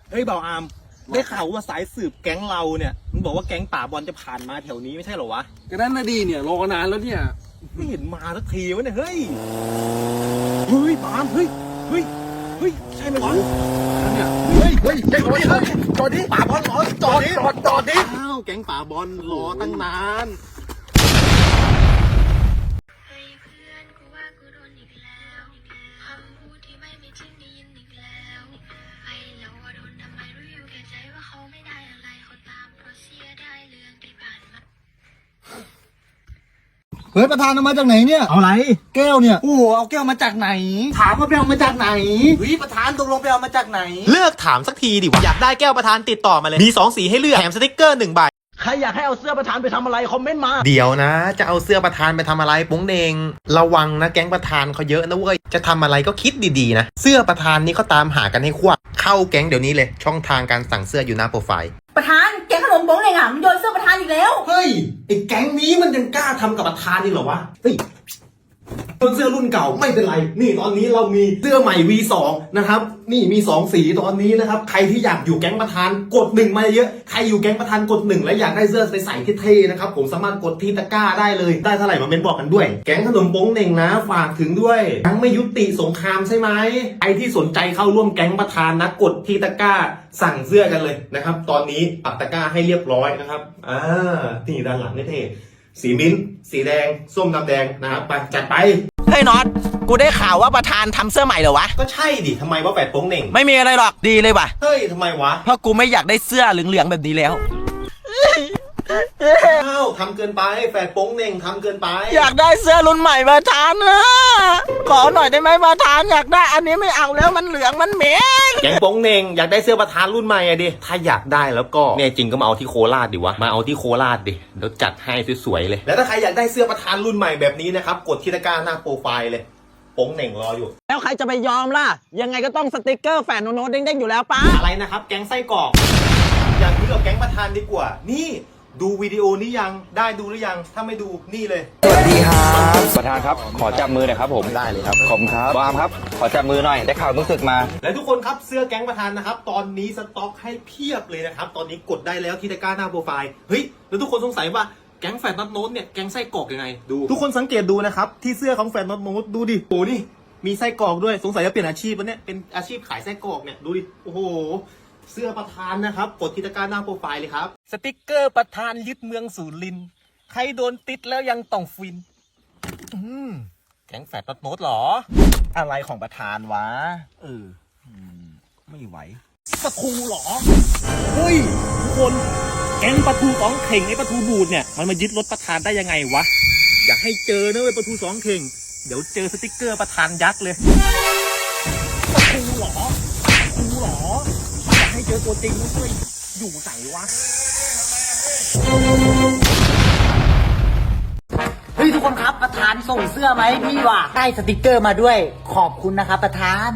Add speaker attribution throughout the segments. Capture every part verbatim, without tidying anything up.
Speaker 1: เฮ้ยเบาอามได้ข่าวว่าสายสืบแก๊งเราเนี่ยมันบอกว่าแก๊งป่าบอลจะผ่านมาแถวนี้ไม่ใช่เหรอวะ
Speaker 2: ก็นั่นน่ะดีเนี่ยรอนานแล้วเนี่ย
Speaker 1: ไม่เห็นมาสักทีวะเนี่ยเฮ้ยเฮ้ยปามเฮ้ยเฮ้ยเฮ้ยใช่ไหมวะ
Speaker 2: เนี่ย
Speaker 1: เฮ้ยเฮ้ยจอดดิจอดดิป่าบอลรอจอดดิจอดจอดดิอ้าวแก๊งป่าบอลรอตั้งนาน
Speaker 3: เฮ้ยประธานเอามาจากไหนเนี่ย
Speaker 1: เอาอะไร
Speaker 3: แก้วเนี่ย
Speaker 1: โอ้เอาแก้วมาจากไหนถามว่าไปเอามาจากไหนเฮ้ยประธานตกลงไปเอามาจากไหน
Speaker 4: เลิกถามสักทีดิวะอยากได้แก้วประธานติดต่อมาเลยมีสองสีให้เลือกแถมสติ๊กเกอร์หนึ่งใบ
Speaker 1: ใครอยากให้เอาเสื้อประธานไปทำอะไรคอมเมนต์มา
Speaker 4: เดี๋ยวนะจะเอาเสื้อประธานไปทำอะไรปุ้งเดงระวังนะแก๊งประธานเขาเยอะนะเว้ยจะทำอะไรก็คิดดีๆนะเสื้อประธานนี่เขาตามหากันให้ควักเข้าแก๊งเดี๋ยวนี้เลยช่องทางการสั่งเสื้ออยู่หน้าโปรไฟล์
Speaker 5: ประธานแกงขนมบ้งเลยอ่ะมันโยนเสื้อประธานอีกแล้ว
Speaker 1: เฮ้ยไอ้แก๊งนี้มันยังกล้าทำกับประธานอีกเหรอวะเฮ้ยต้นเสื้อรุ่นเก่าไม่เป็นไรนี่ตอนนี้เรามีเสื้อใหม่ วี สอง นะครับนี่มีสองสีตอนนี้นะครับใครที่อยากอยู่แก๊งประธานกดหนึ่งมาเยอะใครอยู่แก๊งประธานกดหนึ่งและอยากได้เสื้อใส่เท่ๆนะครับผมสามารถกดที่ตะกร้าได้เลยได้เท่าไหร่มาเมนบอกกันด้วยแก๊งขนมโป้งเน่งนะฝากถึงด้วยยังไม่ยุติสงครามใช่ไหมใครที่สนใจเข้าร่วมแก๊งประธานนะกดที่ตะกร้าสั่งเสื้อกันเลยนะครับตอนนี้ปักตะกร้าให้เรียบร้อยนะครับอ่านี่ด้านหลังเท่ๆสีมิ้นสีแดงส้มดำแดงนะครับไปจัดไป
Speaker 4: เฮ้ยน็อตกูได้ข่าวว่าประธานทำเสื้อใหม่เหรอวะ
Speaker 1: ก็ใช่ดิทำไมว่าแปดโป้งเน่ง
Speaker 4: ไม่มีอะไรหรอกดีเลยว่ะ
Speaker 1: เฮ้ยทำไมวะ
Speaker 4: เพราะกูไม่อยากได้เสื้อเหลืองๆแบบนี้แล้ว
Speaker 1: อ้าวทำเกินไปแปดโป้งเน่งทำเกินไป
Speaker 4: อยากได้เสื้อรุ่นใหม่ประธานนะขอหน่อยได้ไหมประธานอยากได้อันนี้ไม่เอาแล้วมันเหลืองมันเหม็น
Speaker 1: แก๊งโป้งเน่งอยากได้เสื้อประธานรุ่นใหม่อะดิถ้าอยากได้แล้วก็เนี่ยจริงก็มาเอาที่โคราชดิวะมาเอาที่โคราชดิเดี๋ยวจัดให้สวยๆเลยแล้วถ้าใครอยากได้เสื้อประธานรุ่นใหม่แบบนี้นะครับกดที่ตะกร้าหน้าโปรไฟล์เลยโป้งเน่งรออยู่
Speaker 4: แล้วใครจะไปยอมล่ะยังไงก็ต้องสติ๊กเกอร์แฝดโน้ตเด้งๆอยู่แล้วป้า
Speaker 1: อะไรนะครับแก๊งไส้กรอกอยากคุยกับแก๊งประธานดีกว่านี่ดูวิดีโอนี้ยังได้ดูหรือยังถ้าไม่ดูนี่เลย
Speaker 6: สวัสดีครับประธานครับขอจับมือหน่อยครับผมได้เลยครับขอบคุณครับบามครับขอจับมือหน่อยได้ข่าวรู้สึกมา
Speaker 1: และทุกคนครับเสื้อแก๊งประธานนะครับตอนนี้สต็อกให้เพียบเลยนะครับตอนนี้กดได้แล้วที่ตะกร้าหน้าโปรไฟล์เฮ้ยแล้วทุกคนสงสัยว่าแก๊งแฟนน็อตโน้ตเนี่ยแก๊งไส้กรอกยังไงดูทุกคนสังเกตดูนะครับที่เสื้อของแฟนน็อตโน้ตดูดิโอ้นี่มีไส้กรอกด้วยสงสัยจะเปลี่ยนอาชีพแล้วเนี่ยเป็นอาชีพขายไส้กรอกเนี่ยดูดิโอ้โหเสื้อประธานนะครับกดที่ตะกร้าหน้าโปรไฟล์เลยครับสติ๊กเกอร์ประธานยึดเมืองสุรินทร์ใครโดนติดแล้วยังต้องฟินอืมแก๊งแฟดน็อตโน้ตหรออะไรของประธานวะเออไม่ไหวปะทูหรอเฮ้ยทุกคนแก๊งปะทูสองเข่งไอ้ปะทูบูดเนี่ยมันมายึดรถประธานได้ยังไงวะอยากให้เจอนะเว้ยปะทูสองเข่งเดี๋ยวเจอสติ๊กเกอร์ประธานยักษ์เลยปะทูหรอปะทูหรออยากให้เจอตัวจริงนะเว้ยอยู่ไหนวะ
Speaker 5: เฮ้ยทุกคนครับประธานส่งเสื้อไหมพี่ว่ะได้สติกเกอร์มาด้วยขอบคุณนะครับประธาน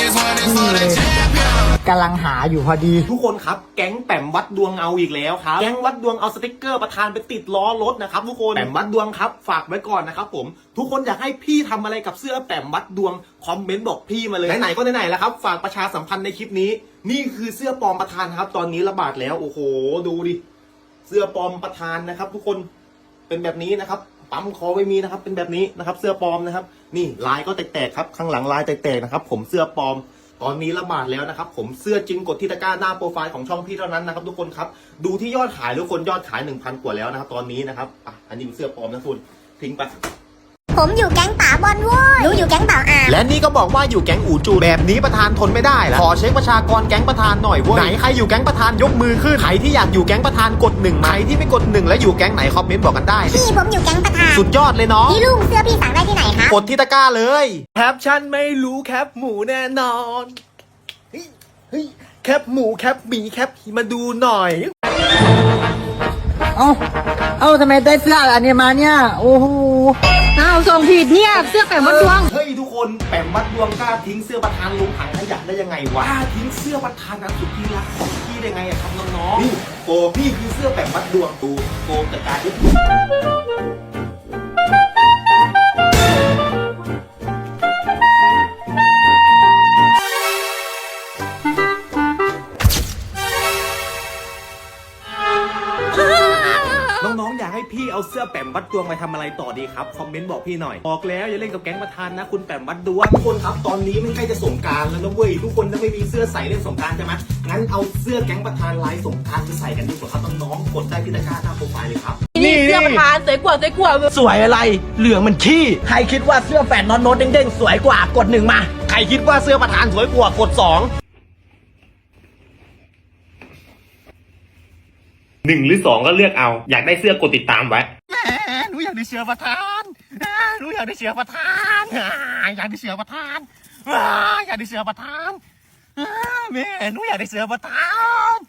Speaker 5: กำลังหาอยู่พอดี
Speaker 1: ทุกคนครับแก๊งแปมวัดดวงเอาอีกแล้วครับแก๊งวัดดวงเอาสติกเกอร์ประธานไปติดล้อรถนะครับทุกคนแปมวัดดวงครับฝากไว้ก่อนนะครับผมทุกคนอยากให้พี่ทำอะไรกับเสื้อแปมวัดดวงคอมเมนต์บอกพี่มาเลยไหนๆก็ไหนๆแล้วครับฝากประชาสัมพันธ์ในคลิปนี้นี่คือเสื้อปลอมประธานครับตอนนี้ระบาดแล้วโอ้โหดูดิเสื้อปลอมประธานนะครับทุกคนเป็นแบบนี้นะครับปั๊มคอไม่มีนะครับเป็นแบบนี้นะครับเสื้อปลอมนะครับนี่ลายก็แตกๆครับข้างหลังลายแตกๆนะครับผมเสื้อปลอมตอนนี้ระบาดแล้วนะครับผมเสื้อจริงกดที่ตะกร้าหน้าโปรไฟล์ของช่องพี่เท่านั้นนะครับทุกคนครับดูที่ยอดขายทุกคนยอดขาย หนึ่งพัน กว่าแล้วนะครับตอนนี้นะครับอ่ะอันนี้เป็นเสื้อปลอมนะคุณทิ้งไป
Speaker 7: ผมอยู่แก๊งป่าบอลโว้ยหนูอยู่แก๊งป่าอ่าง
Speaker 4: และนี่ก็บอกว่าอยู่แก๊งอู่จูแบบนี้ประธานทนไม่ได้แล้วขอเช็คประชากรแก๊งประธานหน่อยเว้ยไหนใครอยู่แก๊งประธานยกมือขึ้นใครที่อยากอยู่แก๊งประธานกดหนึ่งใครที่ไม่กดหนึ่งและอยู่แก๊งไหนคอมเมนต์บอกกันได้
Speaker 7: พี่ผมอยู่แก๊งประธาน
Speaker 4: สุดยอดเลยเนาะ
Speaker 7: พี่ลุงเสื้อพี่สั่งได้ที่ไหนคะ
Speaker 4: กดที่ตะกร้าเลย
Speaker 1: แคปชั่นไม่รู้แคปหมูแน่นอนเฮ้ยเฮ้ยแคปหมูแคปหมีแคปมาดูหน่อย
Speaker 5: เอ้าเอ้าทำไมได้เสื้ออันนี้มาเนี่ยโอ้โหเอ้าส่งผิดเนี่ยเสื้อแปมวัดดวง
Speaker 1: เฮ้ยทุกคนแปมวัดดวงกล้าทิ้งเสื้อประธานลงถังขยะได้ยังไงวะกล้าทิ้งเสื้อประธานนั้นสุดที่รักของพี่ได้ไงอะครับน้องๆนี่โกพี่คือเสื้อแปมวัดดวงตูโกจัดการดิสื้อแปมวัดดวงไปทำอะไรต่อดีครับคอมเมนต์บอกพี่หน่อยบอกแล้วอย่าเล่นกับแก๊งประธานนะคุณแปมวัดดวงทุกคนครับตอนนี้มันใกล้จะสงกรานต์แล้วนะเว้ยทุกคนถ้าไม่มีเสื้อใส่เล่นสงกรานต์ใช่ไหมงั้นเอาเสื้อแก๊งประธานลายสงกรานต์ไปใส่กันดีกว่าครับน้องๆกดได้ที่ตะกร้าหน้าโปรไฟล์เลยครับ
Speaker 5: นี่เสื้อประธานสวยกว่าสวยกว่า
Speaker 8: สวยอะไร เหลืองมันขี้ ใครคิดว่าเสื้อแฟนน็อตโน้ตเด้งๆ สวยกว่ากดหนึ่งมา
Speaker 1: ใครคิดว่าเสื้อประธานสวยกว่ากดสองหนึ่งหรือสองก็เลือกเอาอยากได้เสื้อกดติดตามไว้หนูอยากได้เสื้อประธานหนูอยากได้เสื้อประธานอยากได้เสื้อประธานอยากได้เสื้อประธานแม่หนูอยากได้เสื้อประธาน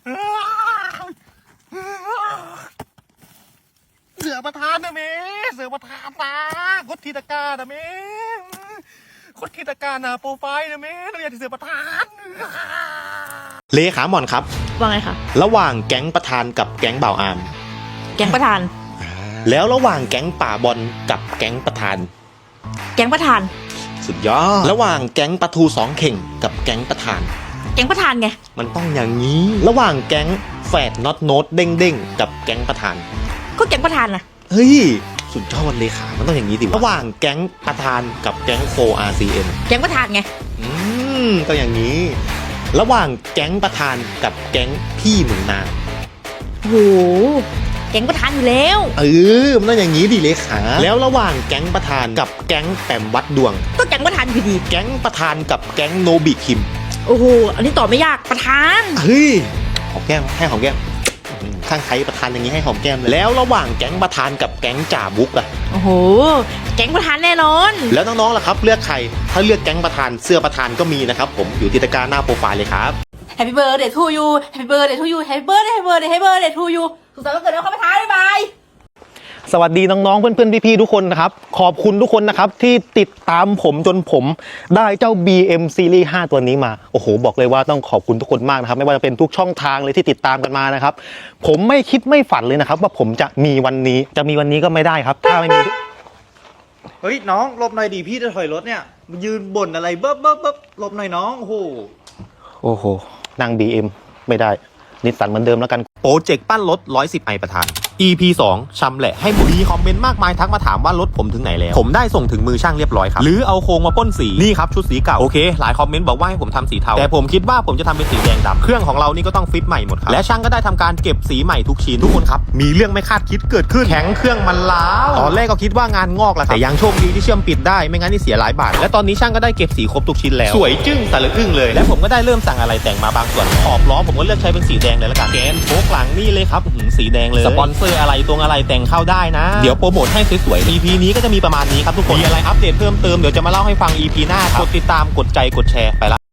Speaker 1: เสือประธานนะเมเสือประธานนะกดทีตะกร้านะเมกดทีตะกร้านะโปรไฟล์นะเมเราอยากได้เสือประธานเลขาหมอนครับ
Speaker 5: ว่าไงคะ
Speaker 1: ระหว่างแก๊งประธานกับแก๊งบ่าวอาม
Speaker 5: แก๊งประธาน
Speaker 1: แล้วระหว่างแก๊งป่าบอลกับแก๊งประธาน
Speaker 5: แก๊งประธาน
Speaker 1: สุดยอดระหว่างแก๊งปลาทูสองเข่งกับแก๊งประธาน
Speaker 5: แก๊งประธานไง
Speaker 1: มันต้องอย่างนี้ ระหว่างแก๊งแฝดน็อตโน้ตเด้งเด้งกับแก๊งประธาน
Speaker 5: ก็แก๊งประธานนะ
Speaker 1: เฮ้ยสุดยอดเลขามันต้องอย่างนี้ดิระหว่างแก๊งประธานกับแก๊งโฟ อาร์ ซี เอ็น
Speaker 5: แก๊งประธานไง
Speaker 1: อืมก็อย่างนี้ ระหว่างแก๊งประธานกับแก๊งพี่หนุ่มนา
Speaker 5: โห แก๊งประธานอยู่แล้ว
Speaker 1: เออมันต้องอย่างนี้ดิเลขาแล้วระหว่างแก๊งประธานกับแก๊งแปมวัดดวง
Speaker 5: ก็แก๊งประธานอยู่ดี
Speaker 1: แก๊งประธานกับแก๊งโนบิคิม
Speaker 5: โอ้โห อันนี้ตอบไม่ยาก ประธาน
Speaker 1: เฮ้ยหอมแก้มให้หอมแก้มอืมข้างใครประธานอย่างนี้ให้หอมแก้มเลยแล้วระหว่างแก๊งประธานกับแก๊งจ่าบุ๊กอะ
Speaker 5: โอ้โห แก๊งประธานแน่นอน
Speaker 1: แล้วน้องๆล่ะครับเลือกใครถ้าเลือกแก๊งประธานเสื้อประธานก็มีนะครับผมอยู่ที่ตะกร้าหน้าโปรไฟล์เลยครับ
Speaker 5: Happy birthday to you Happy birthday to you Happy birthday Happy birthday Happy birthday to you สุขสันต์วันเกิดนะครับประธานบ๊ายบาย
Speaker 1: สวัสดีน้องๆเพื่อนๆพี่ๆทุกคนนะครับขอบคุณทุกคนนะครับที่ติดตามผมจนผมได้เจ้า บี เอ็ม Series ห้าตัวนี้มาโอ้โหบอกเลยว่าต้องขอบคุณทุกคนมากนะครับไม่ว่าจะเป็นทุกช่องทางเลยที่ติดตามกันมานะครับผมไม่คิดไม่ฝันเลยนะครับว่าผมจะมีวันนี้จะมีวันนี้ก็ไม่ได้ครับถ้าไม่มี
Speaker 9: เฮ้ยน้องหลบหน่อยดิพี่จะถอยรถเนี่ยยืนบ่นอะไรเบ๊บเบ๊บเบ๊บหลบหน่อยน้องโอ้โห
Speaker 1: โอ้โหนั่ง บี เอ็ม ไม่ได้นิสสันเหมือนเดิมแล้วกันโปรเจกต์ปั้นรถหนึ่งร้อยสิบไอประธาน อี พี สองชำแหละให้หมดมีคอมเมนต์มากมายทักมาถามว่ารถผมถึงไหนแล้วผมได้ส่งถึงมือช่างเรียบร้อยครับหรือเอาโครงมาพ่นสีนี่ครับชุดสีเก่าโอเคหลายคอมเมนต์บอกว่าให้ผมทำสีเทาแต่ผมคิดว่าผมจะทำเป็นสีแดงดำเครื่องของเรานี่ก็ต้องฟิตใหม่หมดครับและช่างก็ได้ทำการเก็บสีใหม่ทุกชิ้นทุกคนครับมีเรื่องไม่คาดคิดเกิดขึ้นแข็งเครื่องมันล้าวตอนแรกก็คิดว่างานงอกแหละแต่ยังโชคดีที่เชื่อมปิดได้ไม่งั้นนี่เสียหลายบาทและตอนนี้ช่างก็ได้เก็บสีครบทุกชิ้นแล้วสวยจึ้งสะลึกอึ้งเลยและผมก็ได้เริ่มสั่งอะไรแต่งมาบางส่วนขอบล้อผมก็เลือกใช้เป็นสีแดงเลยละกันแกนโฟกหลังนี่เลยครับสีแดงเลยสปอนเซอร์อะไรตรงอะไรแต่งเข้าได้นะเดี๋ยวโปรโมทให้สวยๆ อี พี นี้ก็จะมีประมาณนี้ครับทุกคนมีอะไรอัปเดตเพิ่มเติมเดี๋ยวจะมาเล่าให้ฟัง อี พี หน้าครับกดติดตามกดใจกดแชร์ไปละ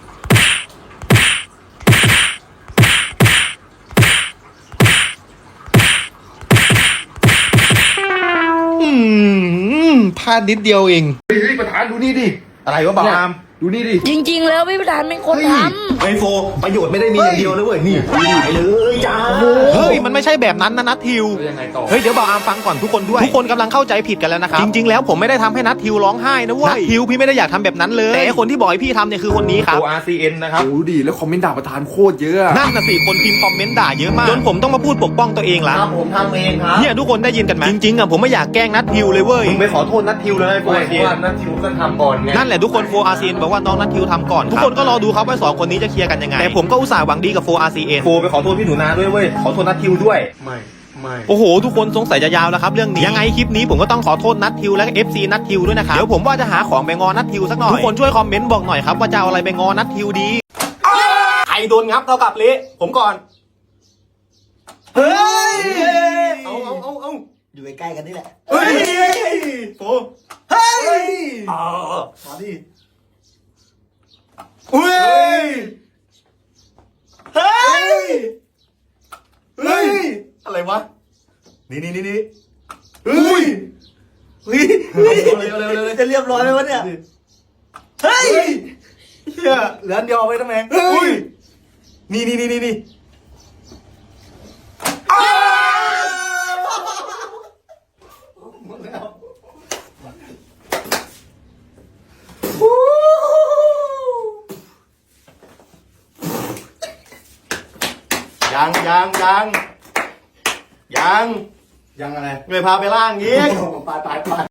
Speaker 1: อืมพลาดนิดเดียวเอง
Speaker 2: เฮ้ยประธานดูนี่ดิ
Speaker 1: อะไรวะบ่าวอาม
Speaker 2: ดูนี่ดิ
Speaker 5: จริงๆแล้วพี่ประธานเป็นคนทำ
Speaker 1: ไอโฟประโยชน์ไม่ได้มีอย่างเดียวนะเว้ยนี่ไปเลยจ้าเฮ้ยมันไม่ใช่แบบนั้นนะนัททิว
Speaker 2: ยังไงต่อ
Speaker 1: เฮ้ยเดี๋ยวบ่าวอามฟังก่อนทุกคนด้วยทุกคนกำลังเข้าใจผิดกันแล้วนะครับจริงๆแล้วผมไม่ได้ทำให้นัททิวร้องไห้นะเว้ยนัททิวพี่ไม่ได้อยากทำแบบนั้นเลยแต่คนที่บอกให้พี่ทำเนี่ยคือคนนี้ครับ
Speaker 2: โอ อาร์ ซี เอ็น นะครับโอ้ดิแล้วคอมเมนต์ด่าประธานโคตรเยอะ
Speaker 1: นั่นน่ะสิคนพิมพ์คอมเมนต์ด่าเยอะมากจนผมต้องมาพูดปกป้องตัวเองละ
Speaker 9: ครับผมทำเองครับ
Speaker 1: เนี่ยทุกคนได้ยินกันไหมจริงๆอ่ะผมไม่อยากแกล้งนัททิวเลยเว้ย
Speaker 9: มึงไปขอโทษนัททิวเลยโฟร์ว่านัททิวก็ทำก่อนไง
Speaker 1: นั่นแหละทุกคนโฟ อาร์ ซี เอ็น บอกว่าน้องนัททิวทำก่อนทุกคนก็รอดูครับว่าสองคนนี้จะเคลียร์กันยังไงแต่ผมก็อุตส่าห์หวังดีกับโฟ อาร์ ซี เอ็น
Speaker 9: โฟไปขอโทษพี่หนูนาด้วยเว้ยขอโทษนัททิวด้วยไม่ไม่
Speaker 1: โอ้โหทุกคนสงสัยจะยาวแล้วครับเรื่องนี้ยังไงคลิปนี้ผมก็ต้องขอโทษนัททิวและ เอฟ ซี นัททิวด้วยนะครับเดี๋ยวผมว่าจะหาของไปงอนัททิวสักหน่อยทุกคนช่วยคอมเมนต์บอกหน่อยครับว่าจะเอาอะไรไปงอนัททิวดีใครโดนงับเท่ากับเละผมก่อนเฮ้ยเอาเอาเอาเอา
Speaker 3: อยู่ใกล้ๆกันนี่แหละ
Speaker 1: เฮ้ยโฟเฮ้ยอ๋อ
Speaker 3: มาดิ
Speaker 1: เฮ้ยเฮ้ยเฮ้ยอะไรวะนี่นี่นี่นี่เฮ้ยเฮ้ยเร็วเร็วเร็วเร็ว
Speaker 3: จะเรียบร้อยไหมวะเนี่ย
Speaker 1: เฮ้ยเฮียเหลืออันเดียวเอาไว้ทำไมเฮ้ยนี่นี่นี่นี่นี่ยังยังยังยัง
Speaker 3: ยังอะไร
Speaker 1: เลยพาไปล่างอีก
Speaker 3: ไปไปไป